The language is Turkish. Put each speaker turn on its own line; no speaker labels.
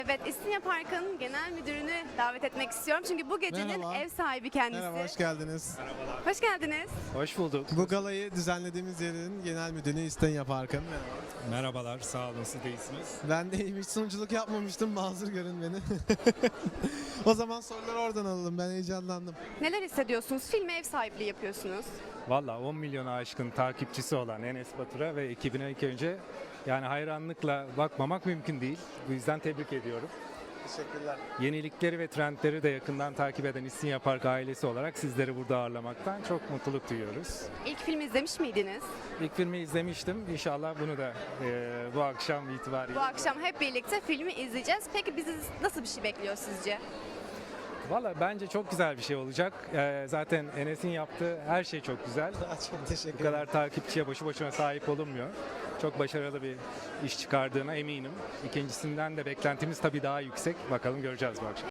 Evet, İstinye Parkı'nın genel müdürünü davet etmek istiyorum. Çünkü bu gecenin
Merhaba.
ev sahibi kendisi.
Merhaba, hoş geldiniz.
Hoş geldiniz.
Hoş bulduk.
Bu galayı düzenlediğimiz yerin genel müdürü İstinye Parkı'nın. Merhaba.
Merhabalar, sağ olun, siz de iyisiniz.
Ben de hiç sunuculuk yapmamıştım, mazur görün beni. O zaman soruları oradan alalım, ben heyecanlandım.
Neler hissediyorsunuz? Filme ev sahipliği yapıyorsunuz.
Valla 10 milyona aşkın takipçisi olan Enes Batur'a ve ekibine ilk önce yani hayranlıkla bakmamak mümkün değil. Bu yüzden tebrik ediyorum.
Teşekkürler.
Yenilikleri ve trendleri de yakından takip eden İstinye Park ailesi olarak sizleri burada ağırlamaktan çok mutluluk duyuyoruz.
İlk filmi izlemiş miydiniz?
İlk filmi izlemiştim. İnşallah bunu da bu akşam itibariyle.
Bu akşam hep birlikte filmi izleyeceğiz. Peki bizi nasıl bir şey bekliyor sizce?
Valla bence çok güzel bir şey olacak. Zaten Enes'in yaptığı her şey çok güzel.
Çok teşekkür
Bu kadar takipçiye boşu boşuna sahip olunmuyor. Çok başarılı bir iş çıkardığına eminim. İkincisinden de beklentimiz tabii daha yüksek. Bakalım göreceğiz bu akşam.